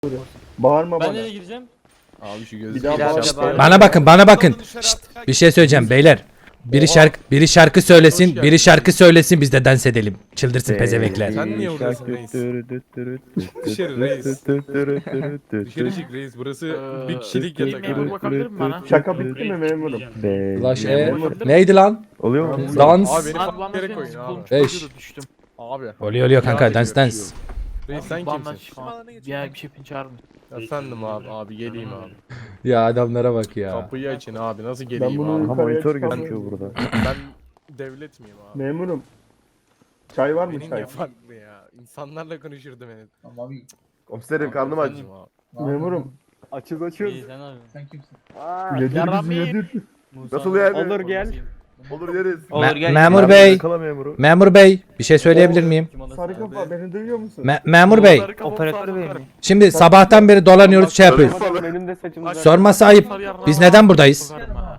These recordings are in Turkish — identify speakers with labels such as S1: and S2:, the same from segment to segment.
S1: Bağırma
S2: Ben
S1: bana.
S2: nereye gireceğim?
S3: Abi şu
S1: Bir
S3: gözü.
S1: daha bağırma.
S4: Bana bakın. Şşt, bir şey söyleyeceğim beyler. Biri şarkı söylesin, biri şarkı söylesin biz de dans edelim. Çıldırsın pezevekler.
S3: Sen niye buradasın reis? Dışarı reis. Dışarı çık reis. Burası bir kişilik yatak
S5: Memur
S3: abi.
S5: bakabilir mi bana?
S1: Şaka bitti mi memurum?
S4: Ulaş neydi lan?
S1: Oluyor mu?
S4: Dans.
S3: Abi beni
S5: Abi
S3: farklı
S5: bana
S3: yere
S5: şey
S3: koyun abi.
S4: Beş.
S5: düştüm.
S3: Abi.
S4: Oluyor kanka dans.
S3: Reis sen
S5: Bandan
S3: kimsin?
S5: Ya bir şey çağırın.
S3: Efendim abi. Abi geleyim abi.
S4: Ya adamlara bak ya.
S3: Kapıyı açın abi. Nasıl
S1: Ben
S3: geleyim
S1: bunu
S3: abi?
S1: yukarıya
S6: Monitör
S1: çıkamıyorum.
S6: gözüküyor burada.
S3: Ben devlet miyim abi?
S1: Memurum. Çay var mı
S3: Benim
S1: çay?
S3: ne farklı ya? İnsanlarla konuşurdu beni.
S6: Komiserim karnım aç.
S3: Efendim abi.
S1: Memurum.
S6: Açız açız.
S2: İyi sen abi.
S5: Sen kimsin?
S1: Yedir
S5: Yarram
S1: bizi
S5: iyi.
S1: yedir.
S2: Musa.
S6: Nasıl yani?
S5: Olur gel.
S6: Olur yeriz.
S5: Olur gel.
S4: Memur bey,
S6: Yakala memuru.
S4: memur bey bir şey söyleyebilir miyim?
S2: Kim odası
S1: Sarı
S2: abi?
S1: kafa beni duyuyor musun?
S4: Memur bey,
S5: Operatör bey mi?
S4: şimdi sabahtan beri dolanıyoruz şey yapıyoruz. Sorması ayıp. Biz neden buradayız?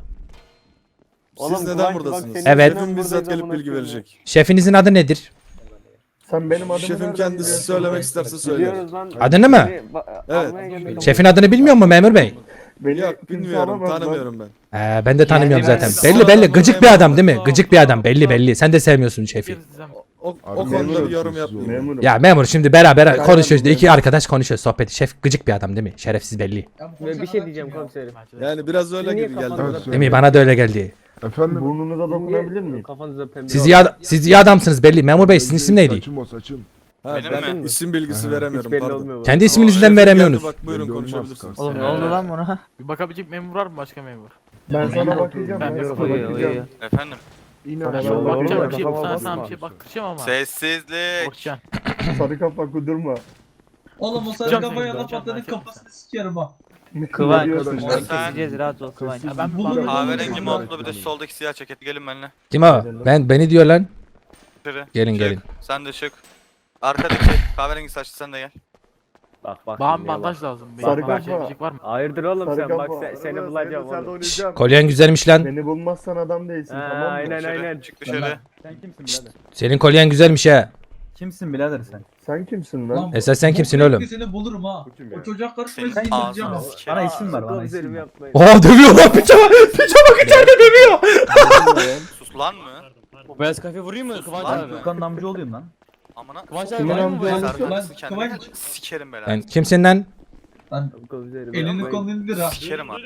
S7: Siz neden buradasınız?
S4: Evet.
S7: Şefim bizzat gelip bilgi verecek.
S4: Şefinizin adı nedir?
S1: Sen benim adımı
S7: Şefim
S1: nereden
S7: kendisi
S1: biliyorsun?
S7: söylemek isterse söyler.
S4: Adını mı?
S7: Evet.
S4: Şefin adını bilmiyor mu memur bey?
S1: Beni
S7: Yok
S1: kimse
S7: bilmiyorum,
S1: alamaz lan.
S7: tanımıyorum ben.
S4: Ben de tanımıyorum
S5: Yani
S4: zaten.
S5: ben-
S4: Belli gıcık bir adam değil mi? Gıcık bir adam belli. Sen de sevmiyorsun şefi.
S7: O konuda bir yorum yapmayayım.
S1: Memurum.
S4: Ya memur şimdi beraber konuşuyoruz. İki arkadaş konuşuyor sohbeti. Şef gıcık bir adam değil mi? Şerefsiz belli.
S8: Bir şey diyeceğim komiserim.
S7: Yani biraz öyle gibi geldi bana.
S4: Değil mi? Bana da öyle geldi.
S1: Burnunuza dokunabilir miyim?
S8: Kafanıza pembe
S4: Siz iyi adamsınız belli. Memur bey sizin isim neydi?
S7: Ha, ben isim bilgisi veremiyorum
S8: belli
S7: pardon.
S8: olmuyor.
S4: Kendi isminizden
S7: Şefim
S4: veremiyorsunuz.
S7: geldi, bak buyurun konuşabilirsiniz.
S5: Oğlum ne oldu lan buna? Bir bakabilecek memur var mı başka memur?
S1: Ben sana bakacağım.
S5: Ben
S1: Ben
S5: de
S1: sana
S5: bakıyorum.
S1: bakacağım.
S9: Efendim,
S1: Sana
S6: Yolda
S5: Bakacağım
S6: oğlum,
S5: bir şey.
S6: kafama
S5: Sana
S6: basma.
S5: bir şey baktıracağım ama.
S9: sessizlik.
S5: Bakacağım.
S1: Sarı kafa kudurma.
S10: Oğlum o sarı
S5: Can
S10: kafaya
S5: sen,
S10: laf
S5: can
S10: atanın
S5: sen.
S10: kafasını sikerim ha.
S8: Kıvanç.
S1: Ne diyorsun?
S9: Sen
S8: Keseceğiz rahat ol Kıvanç.
S5: Ya ben
S10: Bulurum.
S9: kahverengi montlu bir de soldaki siyah ceket. Gelin benimle.
S4: Kim o? Beni diyor lan.
S9: Dışarı.
S4: Gelin,
S9: Çık.
S4: gelin.
S9: Sen de çık. Arkadaki kahverengi saçlı sen de gel.
S8: Bak.
S5: Bana
S8: şimdi
S5: bir
S8: ya
S5: bandaj lazım.
S1: Sarı
S5: Benim
S1: kafa.
S5: bandaj var mı?
S8: Hayırdır oğlum
S1: Sarı
S8: sen bak
S1: kafa.
S8: seni bulacağım oğlum.
S4: Kolyen güzelmiş lan.
S1: Beni bulmazsan adam değilsin
S8: Ha,
S1: tamam mı?
S8: aynen
S9: Dışarı.
S8: aynen.
S9: Çık dışarı.
S10: Sen kimsin birader?
S4: Senin kolyen güzelmiş ha.
S10: Kimsin birader sen?
S1: Sen kimsin lan?
S4: Esas sen kimsin
S10: bu
S4: oğlum?
S10: bekle Seni bulurum ha. O çocuk karışmayı
S9: Senin
S10: seni indireceğim
S9: ağzını
S10: ha.
S9: sikerim.
S10: Bana isim ver bana
S8: Komiserim
S10: isim ver.
S8: yapmayın.
S4: Oha dövüyor lan piçama. Piçama içeride dövüyor.
S9: Sus lan mı?
S2: Bu beyaz kafe vurayım mı Kıvanç
S9: lan.
S2: abi?
S10: Furkan'ın amca olayım lan.
S9: Amına.
S2: Kıvanç abi
S1: Kimin
S2: vurayım mı
S1: amca
S2: bu beyaz
S1: olmuş?
S2: kafe?
S9: Serdar'sı kendine.
S10: Kıvanç.
S9: Sikerim belanı.
S4: Sen kimsin lan?
S10: Lan
S8: Komiserim
S10: elini
S8: yapmayın.
S10: kolunu indir ha.
S9: Sikerim abi.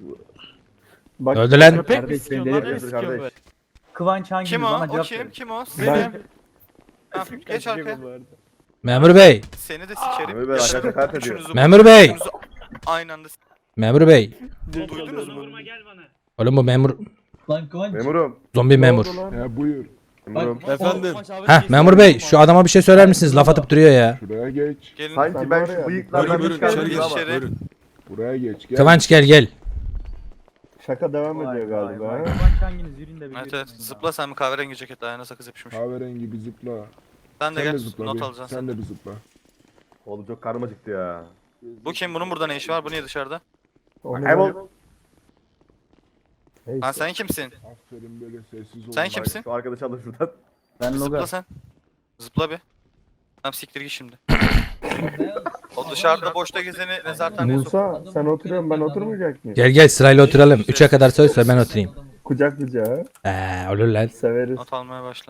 S1: Bak,
S4: Öldü lan.
S5: Köpek mi
S6: Kardeş,
S5: istiyorsun
S6: beni
S5: lan? Ne
S6: delirtir
S5: istiyorsun
S6: kardeş.
S5: böyle?
S10: Kıvanç hanginiz
S9: Kim o?
S10: bana
S9: O
S10: cevap
S9: kim?
S10: verin.
S9: Kim o?
S1: Ben
S9: Tamam, geç arkaya.
S4: Memur bey.
S9: Seni de sikerim.
S6: Memur Bey, arkadaş hakaret ediyor.
S9: Üçünüzü-
S4: Memur bey.
S9: üçünüzü Aynı anda
S4: Memur bey.
S9: duydunuz mu?
S4: Oğlum bu memur.
S10: Lan Kıvanç.
S6: Memurum.
S4: Zombi memur.
S1: Ne oldu lan?
S6: Memurum.
S7: Efendim.
S2: Kıvanç abi
S4: Heh
S2: kesin
S4: memur bey
S2: vurayım
S4: şu adama bir şey söyler misiniz? Laf atıp duruyor ya.
S9: Gelin.
S6: Sanki
S1: Sen
S6: ben
S1: var ya,
S6: şu bıyıklardan
S7: Buyurun
S6: bir
S7: buyurun içeri
S6: çıkardım
S7: geç.
S6: ama.
S7: Buyurun.
S4: Kıvanç gel.
S1: Şaka devam
S8: Vay,
S1: ediyor
S8: vay,
S1: galiba.
S8: vay.
S1: ha?
S10: Kıvanç hanginiz yürüyün de bir
S9: Evet
S10: yürüyün
S9: evet.
S10: ya.
S9: Zıpla sen bir kahverengi ceket ayağına sakız yapışmış.
S7: Kahverengi bir zıpla.
S9: Sen de
S7: Sen de
S9: gel
S7: zıpla
S9: not
S7: bir.
S9: alacaksın sen.
S7: Sen de bir zıpla.
S6: Oğlum çok karnım acıktı ya.
S9: Bu kim? Bunun burada ne işi var? Bu niye dışarıda?
S1: Onu
S6: Kaybol.
S1: Neyse.
S9: Lan sen kimsin?
S7: Aferin böyle sessiz ol.
S9: Sen kimsin?
S6: Şu arkadaşı alın şuradan.
S10: Ben
S9: Zıpla
S10: Logar.
S9: sen. Zıpla bir. Tamam siktir git şimdi.
S10: Ne?
S9: O dışarıda boşta gezeni nezarethaneye sok.
S1: Musa sen oturuyorsun ben oturmayacak mıyım?
S4: Gel sırayla oturalım. 3'e kadar söz ver ben oturayım.
S1: Kucak kucağa.
S4: Olur lan.
S1: Severiz.
S9: Not almaya başla.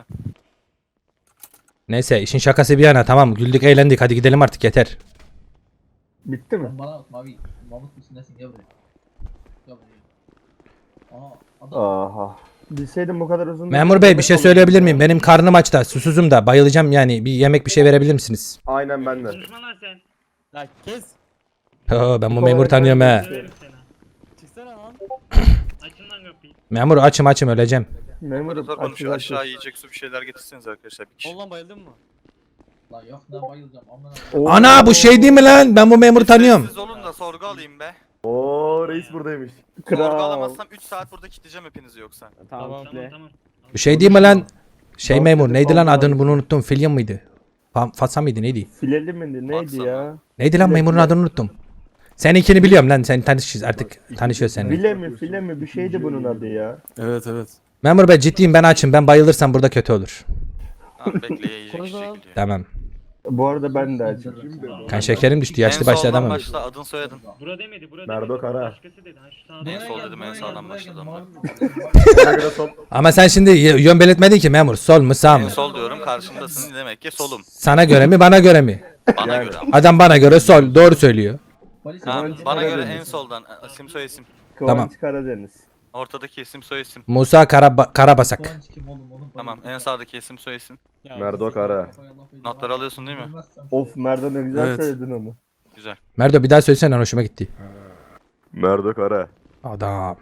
S4: Neyse işin şakası bir yana tamam güldük eğlendik hadi gidelim artık yeter.
S1: Bitti mi?
S10: Lan bana bak Mavi. Mahmut musun nesin gel buraya. Gel buraya. Aha adam.
S1: Aha. Bilseydim bu kadar uzun.
S4: Memur bey bir şey söyleyebilir miyim? Benim karnım aç da susuzum da bayılacağım yani bir yemek bir şey verebilir misiniz?
S6: Aynen ben de.
S2: Ya kes.
S4: Ben bu memuru tanıyorum he.
S2: Çıksana lan.
S4: Memur açım öleceğim.
S1: Memurum
S9: Operatör konuşuyor.
S1: açız.
S9: Aşağı yiyecek su bir şeyler getirseniz arkadaşlar. Bir kişi.
S2: Oğlum bayıldın mı?
S10: Lan yok ne bayılacağım amına.
S1: Oo.
S4: Ana bu şey değil mi lan? Ben bu memuru tanıyorum.
S9: Siz olun da sorgu alayım be.
S6: Oo reis buradaymış.
S9: Sorgu
S1: Kral.
S9: alamazsam 3 saat burada kilitleyeceğim hepinizi yoksa.
S8: Tamam kitle.
S4: Bu şey değil mi lan? Şey memur neydi lan adını bunu unuttum. Filya mıydı? Fatsa mıydı neydi?
S1: Fileli miydi neydi
S9: Baksana.
S1: ya?
S4: Neydi lan memurun adını unuttum. Seninkini biliyorum lan sen tanışıyoruz artık tanışıyoruz seninle.
S1: File mi bir şeydi bunun adı ya.
S7: Evet evet.
S4: Memur bey ciddiyim ben açım ben bayılırsam burada kötü olur.
S9: Tamam bekle yiyecek
S2: Konuşma lan.
S9: içecek gidiyor.
S4: Tamam.
S1: Bu arada ben de açım.
S7: Kim dedi?
S4: Kan şekerim düştü.
S9: En
S4: Yaşlı başlı
S9: soldan
S4: adam oldu.
S9: başla adın soyadın.
S10: Bura demedi, bura
S6: Merdo
S10: demedi.
S6: Kara.
S10: Başkası dedi. Ha, şu sağda.
S9: En sol dedim, en sağdan başladım ben.
S6: Ona göre sol.
S4: Ama sen şimdi yön belirtmedin ki memur. Sol mu sağ
S9: En
S4: mı?
S9: sol diyorum karşımdasın demek ki solum.
S4: Sana göre mi bana göre mi?
S9: Bana
S6: Yani.
S9: göre.
S4: Adam bana göre sol. Doğru söylüyor.
S10: Polis
S9: Ha,
S10: polis
S9: bana göre
S1: Karadeniz.
S9: en soldan isim soy isim.
S1: Kıvanç
S4: Tamam.
S1: Karadeniz.
S9: Ortadaki isim soy isim.
S4: Musa Karabasak.
S10: Kıvanç kim oğlum, onun
S9: Tamam en sağdaki isim soy isim.
S6: Merdo Kara.
S9: Notları alıyorsun değil mi?
S1: Of Merdan ne güzel
S3: Evet.
S1: söyledin onu.
S9: Güzel.
S4: Merdo bir daha söylesene hoşuma gitti.
S6: Merdo Kara.
S4: Adam.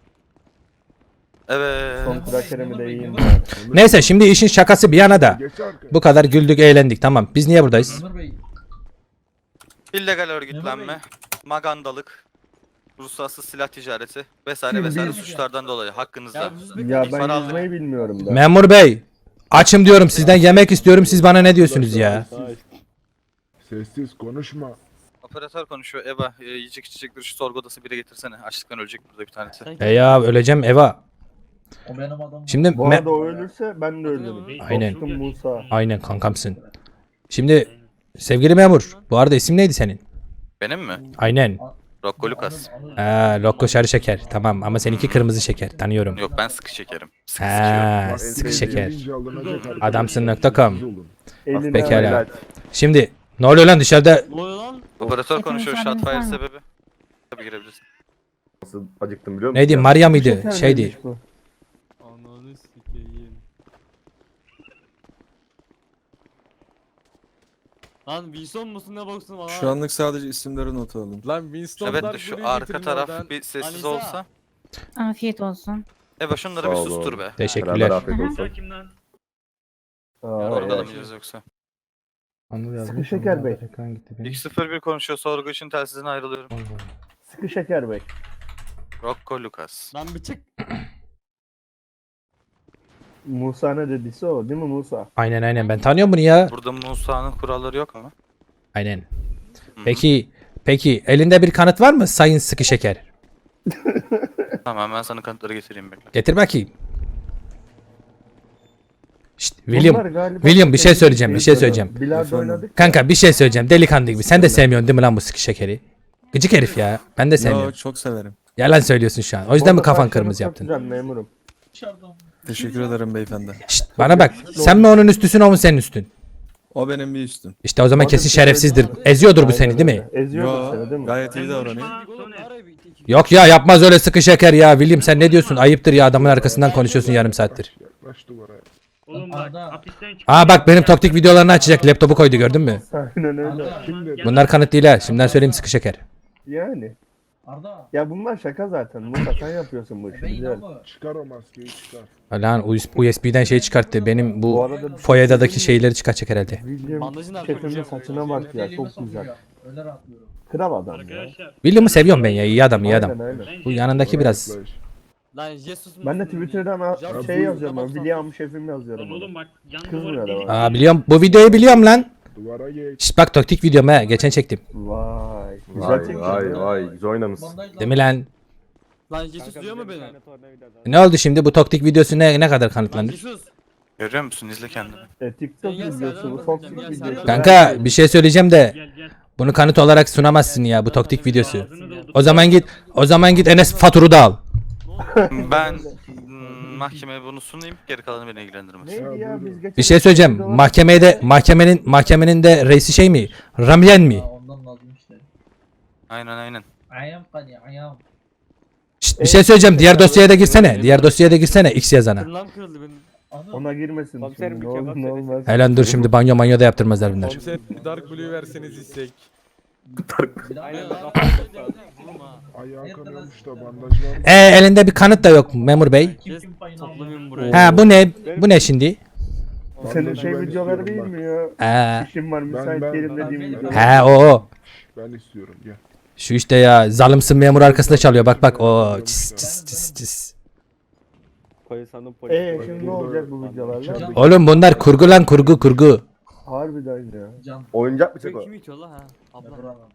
S9: Evet.
S1: Son krakerimi de yiyeyim.
S4: Neyse şimdi işin şakası bir yana da.
S7: Geç arkaya.
S4: Bu kadar güldük eğlendik tamam. Biz niye buradayız?
S10: Ömer Bey.
S9: İllegal örgütlenme, magandalık, ruhsatsız silah ticareti vesaire vesaire suçlardan dolayı hakkınızda.
S2: Ya biz
S1: Ya
S9: Para
S1: ben
S9: aldık.
S1: yüzmeyi bilmiyorum da.
S4: Memur bey. Açım diyorum sizden yemek istiyorum siz bana ne diyorsunuz ya?
S7: Sessiz konuşma.
S9: Operatör konuşuyor. Eba yiyecek içecekleri şu sorgu odası bire getirsene. Açlıktan ölecek burada bir tanesi.
S4: Ya öleceğim Eva.
S10: O benim adamım.
S4: Şimdi
S1: Bu arada o ölürse ben de ölürüm.
S4: Aynen.
S1: Korktum Musa.
S4: Aynen kankamsın. Şimdi sevgili memur bu arada isim neydi senin?
S9: Benim mi?
S4: Aynen.
S9: Rocco Lucas.
S4: Lokko sarı şeker tamam ama seninki kırmızı şeker tanıyorum.
S9: Yok ben sıkı şekerim. Sıkı sıkıyorum.
S4: Ha,
S7: Bak,
S4: sıkı
S7: en
S4: şeker.
S7: deyince alınacak arkadaş.
S4: Adamsın.com.
S7: Siz olun.
S1: Eline
S4: Pekala.
S6: Helal.
S4: Şimdi ne oluyor lan dışarıda?
S2: Ne oluyor lan?
S9: Operatör
S11: Efendim,
S9: konuşuyor.
S11: müsaadeniz
S9: Shotfire
S11: var mı?
S9: sebebi. Tabii girebilirsin.
S6: Nasıl acıktım biliyor musun?
S4: Neydi
S6: ya?
S4: Maria mıydı
S1: Şeker
S4: şeydi?
S1: miymiş bu?
S2: Ananı sikeyim. Lan Wilson musun ne boksun lan?
S7: Şu anlık sadece isimleri not alın.
S3: Lan Winston'lar
S9: Evet de şu arka taraf bir sessiz
S2: Alisa.
S9: olsa.
S11: Afiyet olsun.
S9: Eva şunları
S6: Sağ
S9: bir
S6: ol
S9: sustur
S6: oğlum.
S9: be.
S6: Beraber
S4: Teşekkürler.
S6: afiyet olsun.
S10: Kim lan?
S1: Aa,
S9: Orada da
S1: evet.
S9: mıyız yoksa?
S1: Sıkı şeker bey.
S9: 201 konuşuyor. Sorgu için telsizden ayrılıyorum.
S1: Sıkı şeker bey.
S9: Rocco Lucas.
S2: Lan bir çık.
S1: Musa ne dediyse o değil mi Musa?
S4: Aynen ben tanıyorum bunu ya.
S9: Burada Musa'nın kuralları yok ama.
S4: Aynen. Peki elinde bir kanıt var mı sayın sıkı şeker?
S9: Tamam ben sana kanıtları getireyim bekle.
S4: Getir bakayım. Şşt,
S1: Bunlar
S4: William.
S1: galiba
S4: William, bir şey
S1: sevgili
S4: söyleyeceğim, bir şey söyleyeceğim.
S1: Bilardo oynadık.
S4: Kanka bir şey söyleyeceğim delikanlı gibi. Sen de sevmiyorsun değil mi lan bu sıkı şekeri? Gıcık herif ya. Ben de sevmiyorum.
S7: çok severim.
S4: Yalan söylüyorsun şu an. O yüzden mi kafan kırmızı yaptın?
S1: Yaptın memurum.
S10: Dışarıdan.
S7: Teşekkür ederim beyefendi.
S4: Şşt, bana bak. Sen mi onun üstüsün o mu senin üstün?
S7: O benim bir üstüm.
S4: İşte o zaman kesin şerefsizdir. Eziyordur bu seni değil mi?
S1: Eziyordur seni değil mi?
S7: Gayet iyi davranıyor.
S4: Yok ya yapmaz öyle sıkı şeker ya. William sen ne diyorsun? Ayıptır ya adamın arkasından konuşuyorsun yarım saattir.
S7: Yaklaş duvara.
S10: Oğlum bak.
S4: Aa bak benim toktik videolarını açacak. Laptopu koydu gördün mü?
S1: Aynen öyle.
S7: Kim dedi?
S4: Bunlar kanıt değil ha. Şimdiden söyleyeyim sıkı şeker.
S1: Yani.
S10: Arda.
S1: Ya bunlar şaka zaten. Musa sen yapıyorsun bu işi.
S10: Ben
S1: Güzel.
S10: inanma.
S7: Çıkar o maskeyi çıkar.
S4: Lan USB'den şey çıkarttı. Benim
S1: Bu
S4: bu
S1: arada
S4: foyadaki şeyleri çıkartacak herhalde.
S1: William
S2: Bandajın
S1: şefinin
S2: arkasına
S1: saçına bak ya
S10: Elime
S1: çok
S10: sokuyor
S1: güzel.
S10: ya. Öyle rahatlıyorum.
S1: Kral adam ya.
S10: Arkadaşlar.
S4: William'ı seviyorum ben ya. İyi adam iyi adam.
S1: Aynen aynen.
S4: Bu yanındaki biraz.
S7: Yaklaş.
S2: Lan Jesus musun?
S1: Ben de Twitter'dan şey yazıyorum. Ben William şefim yazıyorum.
S10: Lan oğlum bak. Yan
S1: Kızmıyor
S10: duvarı
S1: da
S10: delik.
S4: Biliyorum. Bu videoyu biliyorum lan.
S7: Duvara geç.
S4: Şşt bak taktik videom ha. Geçen çektim.
S1: Vay. Güzel
S6: Vay
S1: çekmiş.
S6: vay güzel oynamışsın.
S10: Bandaj
S4: Değil mi lan?
S2: Lan Jesus duyuyor mu beni?
S4: Ne oldu şimdi? Bu taktik videosu ne kadar
S2: Lan
S4: kanıtlanır?
S2: Jesus.
S9: Görüyor musun? İzle kendini.
S1: TikTok
S2: Sen gel,
S1: videosu,
S2: sen
S1: bu
S2: gel,
S1: toksik
S2: sen gel,
S1: videosu.
S2: sen
S4: Kanka bir şey söyleyeceğim de
S10: Gel gel.
S4: bunu kanıt olarak sunamazsın ya bu taktik videosu.
S10: Ağzını doldur.
S4: O zaman git Enes Fatur'u da al.
S9: Ben mahkemeye bunu sunayım. Geri kalanı beni ilgilendirmez.
S1: Neydi ya biz geçen
S4: Bir şey söyleyeceğim. Mahkemenin de reisi şey mi? Ramyen mi?
S10: Aa, ondan lazım işte.
S9: Aynen.
S10: Ayağım kani ayağım.
S4: Şşt, bir şey söyleyeceğim. Diğer dosyaya da girsene. Diğer dosyaya da girsene X yazana.
S2: Tırnağım kırıldı benim.
S10: Anam.
S1: Ona girmesin şimdi. Ne olur ne olmaz.
S4: Helan dur şimdi banyo da yaptırmazlar bunlar.
S3: Komiser Dark Blue verseniz istek.
S10: Bir daha
S2: Aynen.
S10: ayağım.
S7: Ayağı kanıyormuş da bandaj var mı?
S4: Elinde bir kanıt da yok memur bey.
S10: Kim payını aldı?
S2: Toplamayayım buraya.
S4: Ha bu ne? Bu ne şimdi?
S1: Senin
S7: Bandajı
S1: şey
S7: ben
S1: videoları
S7: istiyorum
S1: değil
S7: bak.
S1: mi ya?
S4: Ha,
S1: İşim var müsait
S7: ben-
S1: değilim dediğim video.
S4: ha o.
S7: Ben istiyorum gel.
S4: Şu işte ya zalimsin memur arkasında çalıyor. Bak o. Cis.
S1: Şimdi ne olacak bu videolarla?
S4: Oğlum bunlar kurgu lan kurgu.
S1: Harbiden ya.
S10: Can.
S6: Oyuncak mı çek
S2: Bu
S6: o?
S2: kim itiyor la ha? Abla.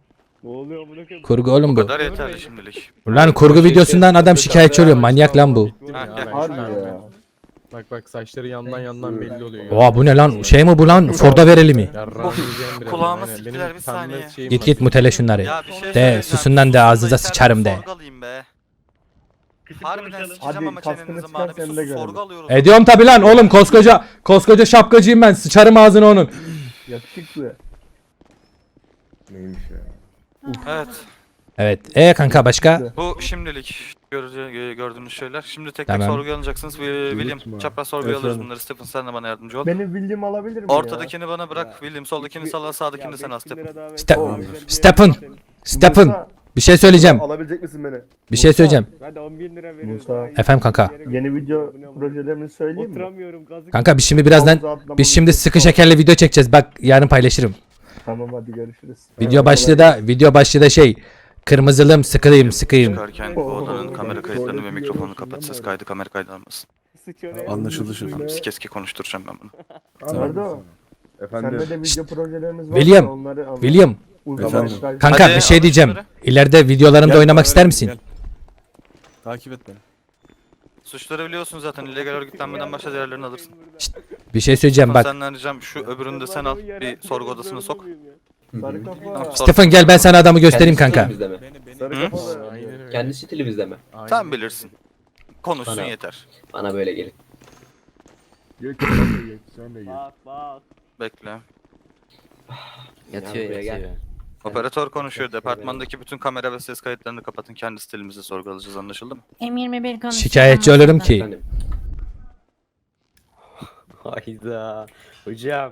S4: Kurgu oğlum
S9: Bu
S4: bu.
S9: kadar yeterli şimdilik.
S4: Lan kurgu videosundan adam şikayetçi oluyor. Manyak lan bu.
S9: Ha, gel.
S1: Harbi ya.
S3: Bak saçları yandan belli oluyor.
S4: Oha bu ne lan? Şey mi bu lan? Ford'a verelim mi?
S9: Kulağıma siktiler, bir saniye.
S4: Git git mutele şunları.
S9: Ya bir şey
S4: De
S9: söyleyeceğim.
S4: susundan de ağzınıza sıçarım de.
S9: Sorgu alayım be. Harbiden
S1: Hadi
S9: sikeceğim ama
S1: kaskını
S9: çenenizi
S1: çıkar,
S9: bana bir
S1: seni de
S9: sus,
S1: görelim.
S9: sorgu alıyoruz.
S4: Ediyorum tabi lan oğlum koskoca şapkacıyım ben. Sıçarım ağzını onun.
S1: Yakışıklı.
S6: Neymiş ya?
S9: Evet.
S4: Evet. Kanka başka?
S9: Bu şimdilik gördüğünüz şeyler. Şimdi tek
S4: Tamam.
S9: tek sorguya alınacaksınız. William
S7: Unutma.
S9: çapraz sorguya alırız
S1: Efendim.
S9: bunları. Stephen sen de bana yardımcı ol.
S1: Benim bildiğim alabilir miyim
S9: Ortadakini bana bırak. William soldakini salla, sağdakini sen al Stephen.
S4: Stephen. Bir şey söyleyeceğim.
S6: Alabilecek misin beni?
S4: Bir şey söyleyeceğim.
S7: Hadi 10.000 lira veriyoruz.
S1: Musa.
S7: daha iyi.
S4: Efendim kanka.
S1: Yeni video projelerini söyleyeyim mi?
S7: Oturamıyorum gazı.
S4: Kanka biz şimdi sıkı şekerli video çekeceğiz. Bak yarın paylaşırım.
S1: Tamam hadi görüşürüz.
S4: Video başlığı da şey. Kırmızılım sıkayım.
S9: Çıkarken bu odanın kamera kayıtlarını ve mikrofonunu kapat. Ses kaydı kamera kaydı almasın.
S7: Anlaşıldı
S9: Tamam, keski konuşturacağım ben bunu.
S1: Nerede o?
S6: Efendim.
S1: Sende de video projelerimiz var.
S4: William,
S1: da onları anlat.
S4: William.
S1: Uygulamalar.
S4: Kanka
S9: Hadi,
S4: bir şey
S9: alın
S4: diyeceğim.
S9: şunları.
S4: İleride videolarımda oynamak ister misin?
S7: Takip et beni.
S9: Suçları biliyorsun zaten. İllegal örgütlenmeden başka değerlerini alırsın.
S4: Bir şey söyleyeceğim bak.
S9: Senden ricam şu öbürünü de sen al. Bir sorgu odasına sok.
S1: Sarı kafa.
S9: Tamam,
S4: Stephen gel ben sana adamı göstereyim kanka.
S6: Sarı
S9: Hı?
S6: kafalı.
S3: Aynen öyle.
S12: Kendi stilimizde mi?
S9: Sen bilirsin. Konuşsun
S12: Bana.
S9: yeter.
S12: Bana böyle gelin.
S7: Geç sen de geç. Sen de geç.
S9: Bekle.
S12: Yatıyor ya gel.
S9: Operatör konuşuyor. Departmandaki bütün kamera ve ses kayıtlarını kapatın. Kendi stilimizde sorgu alacağız, anlaşıldı mı?
S11: M21 konuşuyor.
S4: Şikayetçi olurum ki.
S12: Efendim. Hayda. Hocam.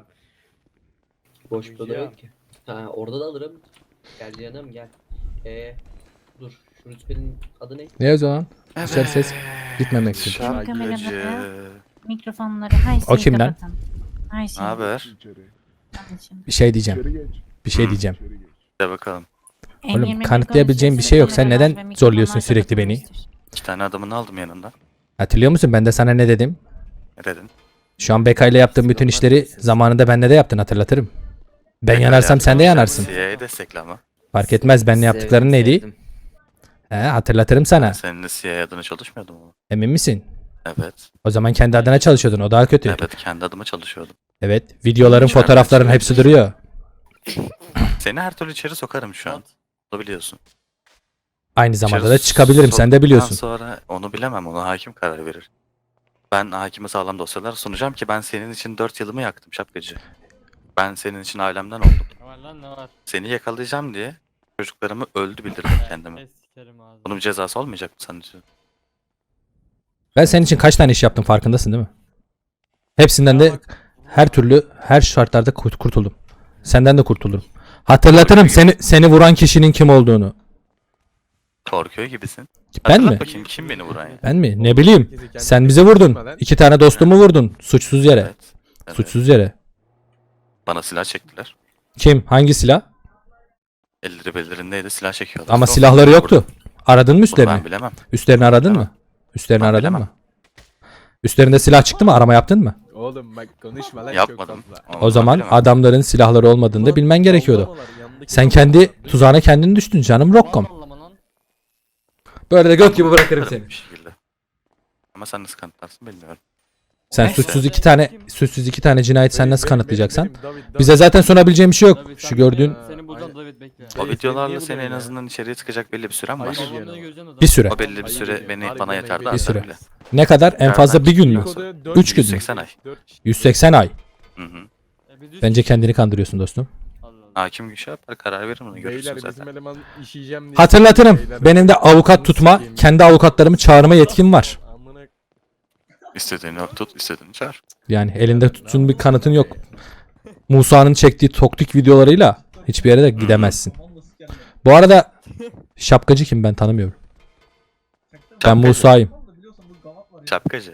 S12: Boş bir oda yok ki. Ha orada da alırım. Gel canım gel. Dur. Şu rütbenin adı ne?
S4: Ne o zaman? Dışarı ses gitmemek için.
S9: Şarkıcı.
S11: Mikrofonları her şeyi
S4: O kim lan?
S11: kapatın. Her şeyi.
S9: Ne haber?
S7: İçeri.
S11: Anlaşıldı.
S4: Bir şey diyeceğim.
S7: İçeri geç.
S4: Bir şey diyeceğim.
S7: İçeri geç.
S9: De bakalım.
S4: Oğlum
S11: M21
S4: kanıtlayabileceğim bir şey yok. Sen
S11: konuşuyor,
S4: neden
S11: kameralar ve
S4: zorluyorsun
S11: mikrofonlar
S4: sürekli beni?
S11: kapatılmıştır.
S9: 2 tane adamını aldım yanından.
S4: Hatırlıyor musun ben de sana ne dedim?
S9: Ne dedin?
S4: Şu an Beka ile yaptığım bütün işleri zamanında bende de yaptın hatırlatırım. Ben yanarsam sen de yanarsın.
S9: CIA'yı destekle ama.
S4: Fark etmez benle yaptıkların neydi? Hatırlatırım sana.
S9: Seninle CIA adına çalışmıyordum ama.
S4: Emin misin?
S9: Evet.
S4: O zaman kendi adına çalışıyordun. O daha kötü.
S9: Evet, kendi adıma çalışıyordum.
S4: Evet. Videoların,
S9: Hiç ben
S4: fotoğrafların
S9: ben-
S4: hepsi duruyor.
S9: Seni her türlü içeri sokarım şu an. Onu biliyorsun.
S4: Aynı zamanda
S9: İçeri
S4: da çıkabilirim. Sen de
S9: soktuktan
S4: biliyorsun.
S9: Sonra onu bilemem. Ona hakim karar verir. Ben hakime sağlam dosyalar sunacağım ki ben senin için 4 yılımı yaktım şapkacı. Ben senin için ailemden oldum.
S2: Ne var lan ne var?
S9: Seni yakalayacağım diye çocuklarımı öldü bildirdim kendime.
S2: Es sikerim ağzını.
S9: Bunun bir cezası olmayacak mı senin için?
S4: Ben senin için kaç tane iş yaptım farkındasın değil mi? Hepsinden de her türlü, her şartlarda kurtuldum. Senden de kurtulurum. Hatırlatırım seni vuran kişinin kim olduğunu.
S9: Korkuyor gibisin.
S4: Ben
S9: Hatırlat
S4: mi?
S9: bakayım kim beni vuran ya?
S4: Ben mi? Ne bileyim. Sen bize vurdun. 2 tane dostumu vurdun. Suçsuz yere.
S9: Evet. Evet.
S4: Suçsuz yere.
S9: Bana silah çektiler.
S4: Kim? Hangi silah?
S9: Elleri bellerindeydi, silah çekiyorlar.
S4: Ama
S9: Sonra
S4: silahları
S9: beni
S4: yoktu.
S9: vurdu.
S4: Aradın mı
S9: Bunu
S4: üstlerini?
S9: ben bilemem.
S4: Üstlerini aradın
S9: bilemem.
S4: mı? Üstlerini
S9: Ben
S4: aradın
S9: bilemem.
S4: mı? Üstlerinde silah çıktı mı? Arama yaptın mı?
S3: Oğlum bak konuşma lan
S9: Yapmadım.
S3: çok fazla.
S9: Onu
S4: O
S9: ben
S4: zaman
S9: bilemem.
S4: adamların silahları olmadığını da bilmen gerekiyordu. Sen kendi tuzağına kendin düştün canım Rockom.
S2: Allah'ım lan.
S4: Böyle de göt gibi bırakırım seni.
S9: Bir şekilde. Ama sen nasıl kanıtlarsın bilmiyorum.
S4: Sen
S9: Neyse.
S4: suçsuz iki tane cinayet sen nasıl kanıtlayacaksan?
S3: David,
S4: Bize zaten sunabileceğim bir şey yok.
S2: David,
S4: Şu
S2: sen
S4: gördüğün
S2: bekle. Seni bulacağım David bekle.
S9: O
S3: Niye
S9: videolarla seni en
S3: buluyorsun ya?
S9: azından içeriye tıkacak belli bir süren var.
S3: Hayır.
S2: Babamla göreceğim de
S4: bir süre.
S9: O belli bir süre bana yeterdi.
S4: Bir
S9: artar
S4: süre.
S9: bile.
S4: Ne kadar? En fazla bir gün mü? 3 gün mü?
S9: 180 ay.
S4: 180 ay.
S9: Hı hı.
S4: Bence kendini kandırıyorsun dostum.
S9: Hakim şey yapar, karar verir onu
S3: Beyler
S9: görürsün
S3: bizim
S9: zaten.
S3: eleman işeyeceğim diye.
S4: Hatırlatırım.
S3: Beyler,
S4: Benim de avukat tutma, kendi avukatlarımı çağırma yetkim var.
S3: Amına
S9: İstediğini tut, istediğini çağır.
S4: Yani elinde tutsun bir kanıtın yok. Musa'nın çektiği toktik videolarıyla hiçbir yere de gidemezsin. Bu arada şapkacı kim ben tanımıyorum. Ben
S9: Şapkacı.
S4: Musa'yım.
S9: Şapkacı.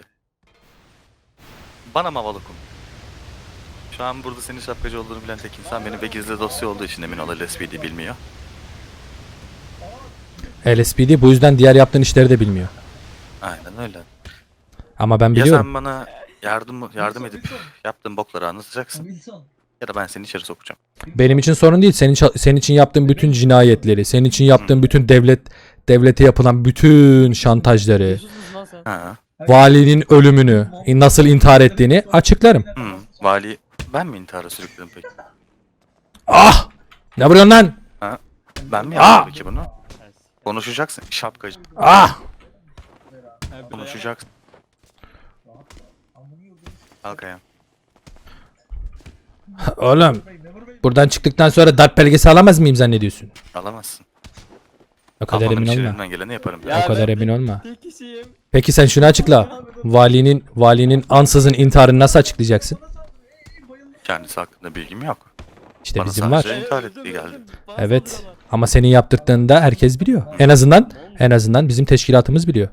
S9: Bana mı valukum? Şu an burada senin şapkacı olduğunu bilen tek insan benim ve gizli dosya olduğu için emin ol LSPD bilmiyor.
S4: LSPD bu yüzden diğer yaptığın işleri de bilmiyor.
S9: Aynen öyle.
S4: Ama ben
S9: Ya
S4: biliyorum.
S9: sen bana yardım edip yaptığın bokları anlatacaksın ya da ben seni içeri sokacağım.
S4: Benim için sorun değil. Senin için yaptığın bütün cinayetleri, senin için yaptığın bütün devlete yapılan bütün şantajları,
S2: Jesus musun lan sen?
S9: Ha.
S4: valinin ölümünü, nasıl intihar ettiğini açıklarım.
S9: Vali ben mi intihara sürükledim peki?
S4: Ah! Ne vuruyorsun lan?
S9: Ben mi yaptım peki bunu? Konuşacaksın şapkacı.
S4: Ah!
S9: Konuşacaksın. Kalk ayağa.
S4: Oğlum, buradan çıktıktan sonra darp belgesi alamaz mıyım zannediyorsun?
S9: Alamazsın.
S4: O kadar
S9: Almamın
S4: emin
S9: için
S4: olma.
S9: elimden geleni yaparım.
S4: O kadar emin olma.
S2: Tek kişiyim.
S4: Peki sen şunu açıkla. Valinin ansızın intiharını nasıl açıklayacaksın?
S9: Kendisi hakkında bilgim yok.
S4: İşte
S9: Bana
S4: bizim var.
S9: sadece intihar ettiği geldi.
S4: Evet. Ama senin yaptırdığında herkes biliyor. En azından bizim teşkilatımız biliyor.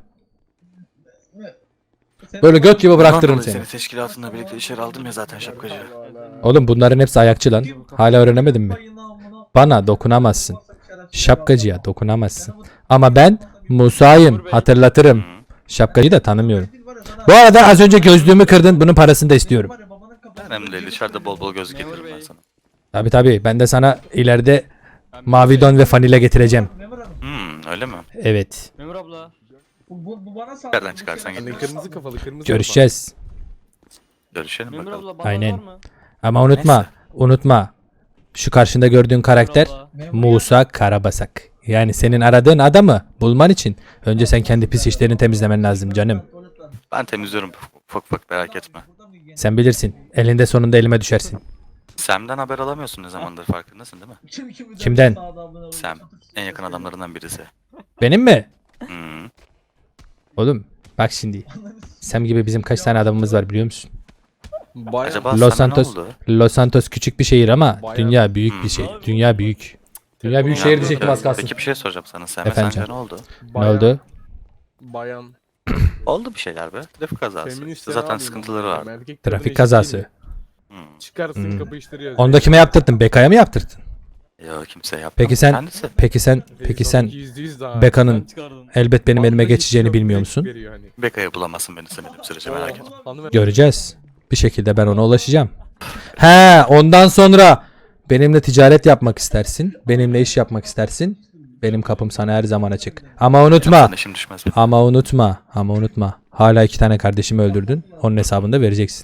S4: Böyle göt gibi bıraktırırım
S9: Ondan dolayı
S4: seni.
S9: seni teşkilatında birlikte içeri aldım ya zaten şapkacı.
S4: Oğlum bunların hepsi ayakçı lan. Hala öğrenemedin mi? Bana dokunamazsın. Şapkacıya dokunamazsın. Ama ben Musa'yım. Hatırlatırım. Şapkacıyı da tanımıyorum. Bu arada az önce gözlüğümü kırdın. Bunun parasını da istiyorum.
S9: Önemli değil. Dışarıda bol bol gözlük getiririm ben sana.
S4: Tabi tabi. Ben de sana ileride mavi don ve fanile getireceğim.
S9: Öyle mi?
S4: Evet.
S2: Memur abla.
S10: Bu bana sağ.
S9: Nereden çıkarsan
S3: Hani
S9: git.
S3: kırmızı kafalı kırmızı
S4: Görüşeceğiz.
S9: Görüşelim
S2: Memur
S9: bakalım.
S2: abla bandaj
S4: Aynen.
S2: var mı?
S4: Ama unutma. Şu karşında gördüğün karakter
S2: Abla.
S4: Musa Karabasak. Yani senin aradığın adamı bulman için önce sen kendi pis işlerini temizlemen lazım canım.
S9: Ben temizliyorum ufak ufak merak etme.
S4: Sen bilirsin. Elinde sonunda elime düşersin.
S9: Sam'den haber alamıyorsun ne zamandır farkındasın değil mi?
S4: Kimden?
S9: Sam. En yakın adamlarından birisi.
S4: Benim mi?
S9: Hmm.
S4: Oğlum bak şimdi. Sam gibi bizim kaç tane adamımız var biliyor musun?
S9: Acaba
S4: Los
S9: sana ne
S4: Santos,
S9: oldu?
S4: Los Santos küçük bir şehir ama
S3: Bayağı-
S4: dünya büyük bir şey. Dünya büyük. Dünya büyük şehir diyecektim az kalsın.
S9: Peki bir şey soracağım sana. Sam'e
S4: Efendim
S9: sence
S4: canım.
S9: ne oldu?
S4: Ne oldu?
S3: Bayan.
S9: Oldu bir şeyler be. Trafik kazası.
S3: Feminist
S9: İşte zaten
S3: abi
S9: sıkıntıları
S3: bunlar.
S9: var.
S3: Erkek kadına
S4: Trafik
S3: eşit
S4: kazası.
S3: değil mi?
S9: Hmm.
S3: Çıkarsın
S4: Hmm.
S3: kapı işleri
S4: Onu da kime yaptırdın? Beka'ya mı yaptırdın?
S9: Yok kimse yapmadı.
S4: Peki sen
S9: Kendisi.
S4: peki sen
S3: %100 daha.
S4: Beka'nın
S2: Çıkardın.
S4: elbet benim elime
S3: Bandajı
S4: geçeceğini
S3: çıkıyor,
S4: bilmiyor
S3: direkt
S4: musun?
S3: veriyor hani.
S9: Beka'yı bulamazsın beni istemediğim sürece merak etme.
S3: Hanımefendi-
S4: Göreceğiz. Bir şekilde ben ona ulaşacağım. He, ondan sonra benimle ticaret yapmak istersin. Benimle iş yapmak istersin. Benim kapım sana her zaman açık. Ama unutma.
S9: Yapsan işim düşmez benim.
S4: Ama unutma. Hala 2 tane kardeşimi öldürdün. Onun hesabını da vereceksin.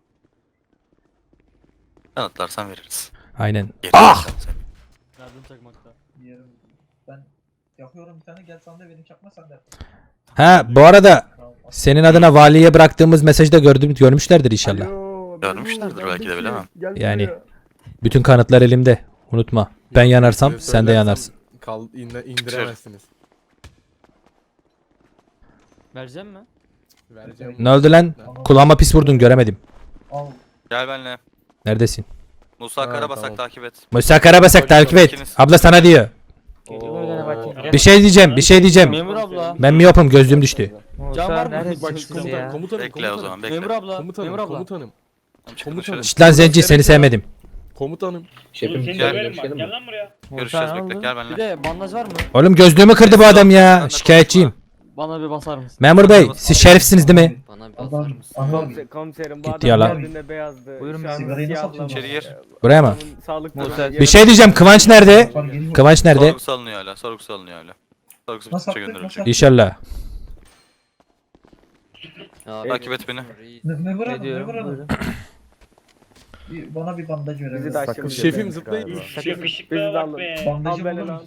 S9: Kanıtlarsan veririz.
S4: Aynen.
S9: Geri
S4: Ah!
S9: vereceğim seni.
S2: Yardım çakmakta.
S10: Ben yapıyorum bir tane, gel sen de benim çakma sen de.
S4: He, bu arada senin adına valiye bıraktığımız mesajı da görmüşlerdir inşallah.
S9: Görmüşlerdir belki de bilemem.
S4: Yani bütün kanıtlar elimde. Unutma. Ben yanarsam
S3: Size
S4: sen de
S3: söylersem
S4: yanarsın.
S3: indiremezsiniz.
S2: Vereceğim mi?
S3: Vereceğim.
S4: Ne oldu lan? Kulağıma pis vurdun göremedim.
S10: Al.
S9: Gel benimle.
S4: Neredesin?
S9: Musa
S3: Ha,
S9: Karabasak
S3: tamam.
S9: takip et.
S4: Musa Karabasak takip et. Abla sana diyor. Bir şey diyeceğim.
S2: Memur abla.
S4: Ben miyopum, gözlüğüm düştü.
S2: Can var mı?
S3: Bak şu komutanım, komutanım,
S9: Bekle o
S3: komutanım.
S9: zaman bekle.
S2: Memur abla.
S3: Komutanım,
S2: Memur abla.
S3: komutanım,
S9: Tamam, çık
S3: komutanım.
S9: dışarı.
S4: Şşt lan zenci, seni sevmedim.
S3: komutanım.
S12: Şefim
S9: Gel.
S12: görüşelim mi?
S9: Görüşürüz bekle gel
S2: Bir
S9: benimle.
S2: de bandaj var mı?
S4: Oğlum gözlüğümü kırdı bu adam ya. Şikayetçiyim.
S2: Bana bir basar mısın?
S4: Memur bey, siz şerifsiniz değil mi?
S12: Bana bir
S10: Adam,
S12: basar mısın?
S10: adam.
S7: Komiserim bu
S4: Gitti
S7: adam
S4: ya lan.
S7: gördüğünde beyazdı.
S5: Buyurun,
S7: Şu an
S10: sigarayı nasıl
S7: siyahla-
S9: İçeri gir.
S4: Buraya mı?
S7: Adamın sağlık
S5: Musa-
S7: durumu-
S4: Bir şey diyeceğim. Kıvanç nerede? Kıvanç nerede?
S9: Sorgusu alınıyor hala. Sorgusu alınıyor hala. Sorgusu
S10: Nasıl
S9: bitince
S10: yaptık?
S9: gönderilecek.
S4: İnşallah.
S9: Takip et beni.
S10: Memur
S5: Ne
S10: hanım,
S5: diyorum?
S10: memur hanım.
S5: Buyurun.
S10: Bana bir bandaj verebilir
S7: Bizi de
S10: misin?
S7: aşkım
S3: Şefim
S7: diyoruz
S3: zıplayın.
S7: galiba. Bizi de alın. Al
S10: Bandajı
S7: beni
S10: bulur
S7: lan.
S10: musun?